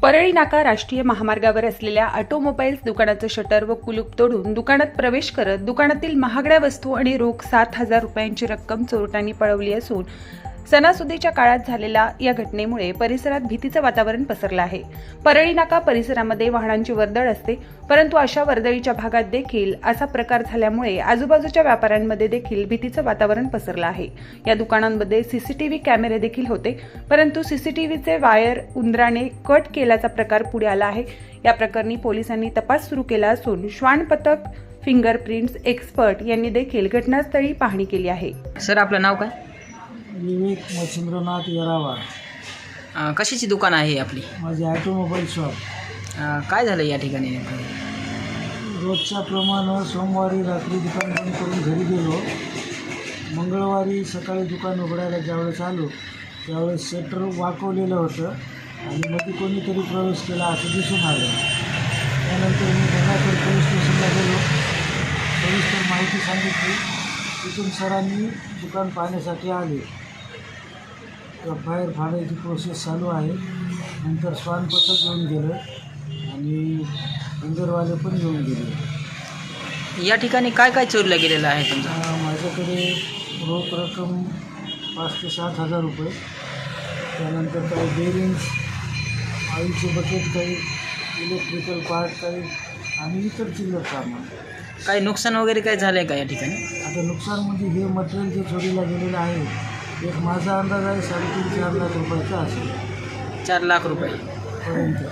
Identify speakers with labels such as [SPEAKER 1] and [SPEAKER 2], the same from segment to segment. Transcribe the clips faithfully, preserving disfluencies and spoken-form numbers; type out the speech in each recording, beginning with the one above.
[SPEAKER 1] परळी नाका राष्ट्रीय महामार्गावर असलेल्या ऑटोमोबाईल्स दुकानाचं शटर व कुलूप तोडून दुकानात प्रवेश करत दुकानातील महागड्या वस्तू आणि रोख सात हजार रुपयांची रक्कम चोरट्यांनी पळवली असून सणासुदीच्या काळात झालेल्या या घटनेमुळे परिसरात भीतीचं वातावरण पसरलं आहे। परळी नाका परिसरामध्ये वाहनांची वर्दळ असते, परंतु अशा वर्दळीच्या भागात देखील असा प्रकार झाल्यामुळे आजूबाजूच्या व्यापाऱ्यांमध्ये देखील भीतीचं वातावरण पसरलं आहे। या दुकानांमध्ये सीसीटीव्ही कॅमेरे देखील होते, परंतु सीसीटीव्हीचे वायर उंदराने कट केल्याचा प्रकार पुढे आला आहे। या प्रकरणी पोलिसांनी तपास सुरू केला असून श्वान पथक फिंगरप्रिंट्स एक्सपर्ट यांनी देखील घटनास्थळी पाहणी केली आहे।
[SPEAKER 2] सर, आपलं नाव काय?
[SPEAKER 3] विवेक मच्छिंद्रनाथ येरावार।
[SPEAKER 2] अं, कशाची दुकान आहे आपली?
[SPEAKER 3] माझे ऑटोमोबाईल शॉप।
[SPEAKER 2] अं, काय झालं या ठिकाणी नेमकं?
[SPEAKER 3] रोजच्या प्रमाणे सोमवारी रात्री दुकान बंद करून घरी गेलो। मंगळवारी सकाळी दुकान उघडायला ज्यावेळेस आलो त्यावेळेस शटर वाकवलेलं होतं आणि मध्ये कोणीतरी प्रवेश केला असं दिसून आलं। त्यानंतर मी गंगाखेड पोलीस स्टेशनला गेलो, सविस्तर माहिती सांगितली। तिथून सरांनी दुकान पाहण्यासाठी आले। एफ आय आर फाडायची प्रोसेस चालू आहे। नंतर श्वान पथक येऊन गेलं आणि इंदरवाले पण येऊन गेले।
[SPEAKER 2] या ठिकाणी काय काय चोरलं गेलेलं आहे तुमचं?
[SPEAKER 3] अं, माझ्याकडे रोख रक्कम पाच ते सात हजार रुपये, त्यानंतर काही बेरिंग्स, ऑइलचे बकेट, काही इलेक्ट्रिकल पार्ट, काही आणि इतर चिल्लर सामान।
[SPEAKER 2] काही नुकसान वगैरे काय झालं आहे का या ठिकाणी?
[SPEAKER 3] आता नुकसान म्हणजे हे मटेरियल जे चोरीला गेलेलं आहे, एक माझा अंदाज आहे साडेतीन चार लाख रुपयाचा असेल
[SPEAKER 2] चार लाख रुपये
[SPEAKER 3] पर्यंत।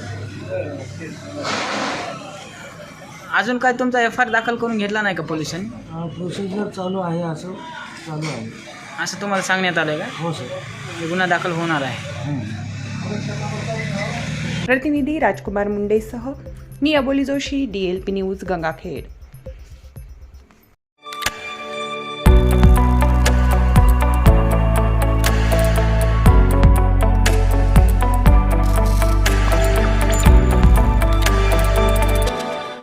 [SPEAKER 2] अजून काय तुमचा एफ आय आर दाखल करून घेतला नाही का पोलिसांनी?
[SPEAKER 3] प्रोसिजर चालू आहे, असं चालू आहे।
[SPEAKER 2] असं तुम्हाला सांगण्यात आलं आहे का?
[SPEAKER 3] हो सर।
[SPEAKER 2] गुन्हा दाखल होणार आहे।
[SPEAKER 1] प्रतिनिधी राजकुमार मुंडेसह मी Aboli Joshi, D L P news, Gangakhed.